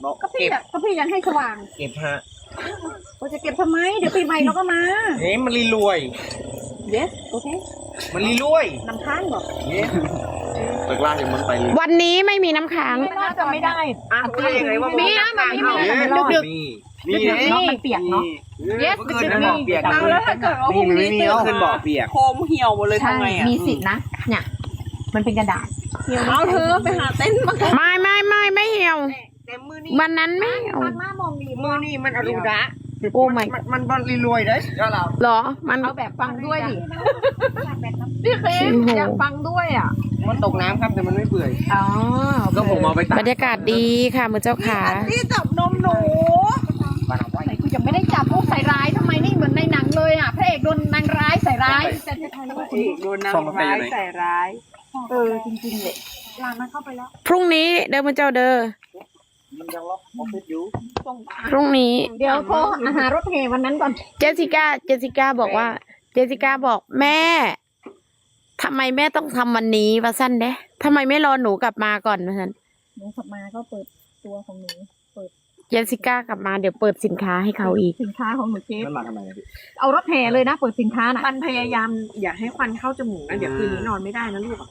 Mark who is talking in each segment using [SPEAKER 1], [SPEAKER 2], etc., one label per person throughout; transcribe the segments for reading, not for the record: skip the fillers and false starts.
[SPEAKER 1] บอก
[SPEAKER 2] ก็พี่ยังให้สว่าง
[SPEAKER 1] เก็บฮะ
[SPEAKER 2] เราจะเก็บทำไมเดี๋ยวปีใหม่เราก็มา
[SPEAKER 1] มันรีรวย
[SPEAKER 2] yes โอเค
[SPEAKER 1] มันรีรวย
[SPEAKER 2] นำค้างบอก
[SPEAKER 1] ตะกร้าจะมันไป
[SPEAKER 3] วันนี้ไม่มีน้ำค้าง
[SPEAKER 2] น่าจะไม่ได้
[SPEAKER 1] อ้าวได้ยังไงว่า
[SPEAKER 2] มีนะมันมี
[SPEAKER 1] มี
[SPEAKER 2] เนาะมันเปียกเนาะ
[SPEAKER 1] yes เกินบอกเปียก
[SPEAKER 2] แล้วถ้าเกิดว่าพรุ่งนี้ตื่น
[SPEAKER 1] ขึ้นบอกเปียก
[SPEAKER 2] โคมเหี่ยวหมดเลยทำไงอ่ะมีสิทธินะเนี่ยมันเป็นกระดาษเอาเธอไปหาเต็นท์มา
[SPEAKER 3] ไม่เหี่ยว
[SPEAKER 1] แต่มือนี่
[SPEAKER 3] วันนั้นไม่เหี่ยว
[SPEAKER 2] มามองดี
[SPEAKER 1] มือนี่มันอรูดะ
[SPEAKER 3] โอ้ไม่
[SPEAKER 1] มันบอลรีรวยได้ก็เรา
[SPEAKER 3] หรอมัน
[SPEAKER 2] เอาแบบฟังด้วยดิพี่เคมอยากฟังด้วยอ่ะ
[SPEAKER 1] มันตกน้ำครับแต่มันไม่เปื่อย
[SPEAKER 2] อ๋อ
[SPEAKER 1] ก็ผมเอาไปตั
[SPEAKER 3] บรรยากาศดีค่ะมือเจ้าขา
[SPEAKER 2] ที่จับนมหนูไหนกูยังไม่ได้จับพวกใส่ร้ายทำไมนี่เหมือนในหนังเลยอ่ะพระเอกโดนนางร้ายใส่ร้าย
[SPEAKER 1] โดนน้ำร้ายใส่ร้าย
[SPEAKER 2] จริงๆเลยลางมันเข้าไปแล้ว
[SPEAKER 3] พรุ่งนี้เดินมือเจ้าเด้อ
[SPEAKER 1] มันยังล็อกออฟฟิศอยู่
[SPEAKER 3] พรุ่งนี้
[SPEAKER 2] เดี๋ยวโทรหารถแห่วันนั้นก่อน
[SPEAKER 3] เจสสิก้าบอกว่า เจสสิก้าบอกแม่ทำไมแม่ต้องทำวันนี้วะสั้นเด้ทำไมไม่รอหนูกลับมาก่อนวะสั้น
[SPEAKER 2] หนูขับมาก็เปิดตัวของหนู
[SPEAKER 3] เจสสิก้ากลับมาเดี๋ยวเปิดสินค้าให้เขาอีก
[SPEAKER 2] สินค้าของหนูเจ๊
[SPEAKER 1] มันมาทำไมพี่
[SPEAKER 2] เอารถแห่เลยนะเปิดสินค้าน่ะ
[SPEAKER 4] มันพยายามอย่าให้ควันเข้าจมูกนะเดี๋ยวคืนนี้นอนไม่ได้นะลูก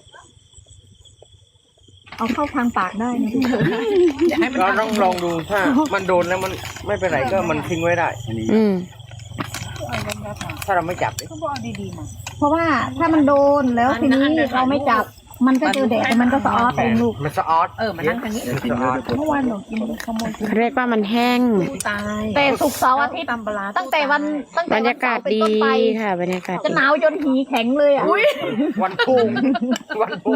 [SPEAKER 2] เอาเข้าทางปากได้นะ
[SPEAKER 4] อย่าให้มัน
[SPEAKER 1] เราต้องลองดูถ้ามันโดนแล้วมันไม่เป็นไรก็มันทิ้งไว้ได้
[SPEAKER 3] อืม
[SPEAKER 1] ถ้าเราไม่จับ
[SPEAKER 2] เพราะว่าถ้ามันโดนแล้วทีนี้เราไม่จับมันก็เจอแดดมันก็สะออดเองลูก
[SPEAKER 1] มันสะออด
[SPEAKER 4] มานั่งทางนี้
[SPEAKER 1] มันสะออด
[SPEAKER 2] เมื่อวานหนูกินขโมย
[SPEAKER 3] เรียกว่ามันแห้ง
[SPEAKER 4] ตาย
[SPEAKER 2] แต่ศุกร์เสาร์อาทิตย์
[SPEAKER 4] ตำปลา
[SPEAKER 2] ตั้งแต่วัน
[SPEAKER 3] บรรยากาศดี
[SPEAKER 2] เป็นต้นไป
[SPEAKER 3] ค่ะบรรยากาศ
[SPEAKER 2] จะ
[SPEAKER 3] ดี
[SPEAKER 2] หนาวจนหีแข็งเลยอ่ะ
[SPEAKER 1] วันพุ่งวันพุ่ง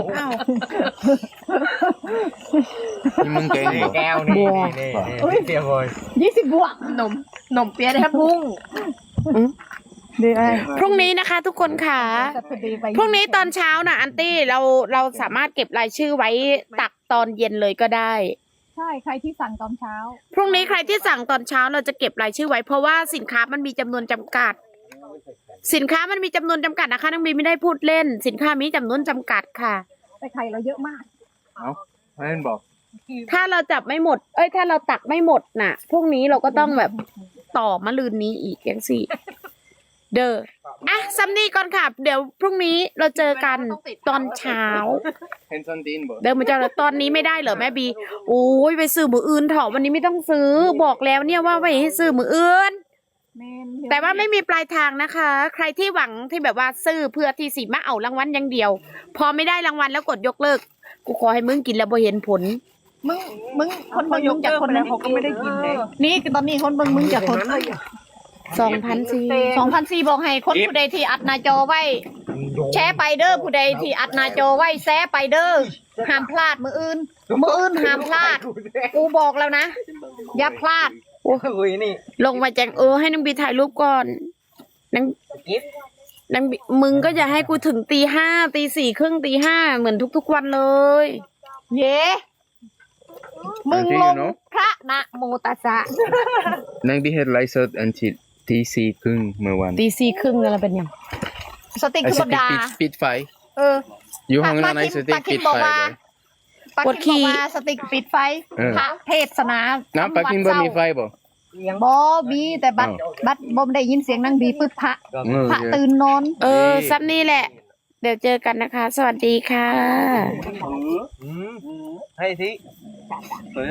[SPEAKER 5] นี่มึงเก่งเหรอ
[SPEAKER 1] แก้วนี่นี่เตียวเลย
[SPEAKER 2] 20 บวก
[SPEAKER 4] นมเปี๊ยะแทบพุ่ง
[SPEAKER 2] เดี๋ยว
[SPEAKER 3] พรุ่งนี้นะคะ ทุกคนค่ะ พรุ่งนี้ตอนเช้านะอันตี้เราสามารถเก็บรายชื่อไว้ตักตอนเย็นเลยก็ได้
[SPEAKER 2] ใช่ใครที่สั่งตอนเช้า
[SPEAKER 3] พรุ่งนี้ใครที่สั่งตอนเช้าเราจะเก็บรายชื่อไว้เพราะว่าสินค้ามันมีจำนวนจำกัด สินค้ามันมีจำนวนจำกัดนะคะน้องบีไม่ได้พูดเล่น สินค้ามีจำนวนจำกัดค่ะ
[SPEAKER 2] แต่ไข่เราเยอะมาก
[SPEAKER 5] ให้มันบอก
[SPEAKER 3] ถ้าเราจับไม่หมดถ้าเราตักไม่หมดน่ะพรุ่งนี้เราก็ต้องแบบต่อมะรืนนี้อีกอย่างสี่เด้อซัมนี่ก่อนค่ะเดี๋ยวพรุ่งนี้เราเจอกันตอนเช้า
[SPEAKER 5] เห็นซันตีนบอก
[SPEAKER 3] เดินมาเจอตอนนี้ไม่ได้เหรอแม่บีโอ้ยไปซื้อมืออื่นเถอะวันนี้ไม่ต้องซื้อบอกแล้วเนี่ยว่าไม่ให้ซื้อมืออื่นแต่ว่าไม่มีปลายทางนะคะ ใครที่หวังที่แบบว่าซื้อเพื่อที่สิมาเอารางวัลอย่างเดียว พอไม่ได้รางวัลแล้วกดยกเลิกกูขอให้มึงกินแล้วบ่เห็นผล
[SPEAKER 2] มึงคนเบิ่งมึงจากคนนั้น
[SPEAKER 4] เขาก็ไม่ได้กินเลย
[SPEAKER 2] นี่ตอนนี้คนเบิ่งมึงจากคน
[SPEAKER 3] 2,400
[SPEAKER 2] บอกให้คนผู้ใดที่อัดหน้าจอไว้ แชร์ไปเด้อผู้ใดที่อัดหน้าจอไว้แชร์ไปเด้อห้ามพลาดมืออื่นห้ามพลาดกูบอกแล้วนะอย่าพลาด
[SPEAKER 1] โอ้ยนี่
[SPEAKER 3] ลงมาแจงให้นางบีถ่ายรูปก่อนนางบีมึงก็อย่าให้กูถึงตีห้าตีสี่ครึ่งตีห้าเหมือนทุกๆวันเลย
[SPEAKER 2] เย้มึงลงพระนะโมตัสสะ
[SPEAKER 5] นางบีเฮ็ดไลฟ์สดอันที่ตีสี่ครึ่งเมื่อวัน
[SPEAKER 3] ตีสี่ครึ่งอะไรเป็นยัง
[SPEAKER 2] สติก
[SPEAKER 5] ไอ้
[SPEAKER 2] คือ
[SPEAKER 5] ส
[SPEAKER 2] บ
[SPEAKER 5] ติ
[SPEAKER 2] ดา
[SPEAKER 5] ปิดไฟ อยู่ห้องนั้นไอ้สติปิดไฟเลย
[SPEAKER 2] ปาคิมบอกว่าสติกปิดไฟพระเทศนา
[SPEAKER 5] น้ำปลากินบ่มีไฟบ่
[SPEAKER 2] บ่มีแต่บัดบ่ได้ยินเสียงนางบีปึ๊บพระตื่นนอน
[SPEAKER 3] ซับนี่แหละ เดี๋ยวเจอกันนะคะ สวัสดีค่ะ
[SPEAKER 1] ให้ที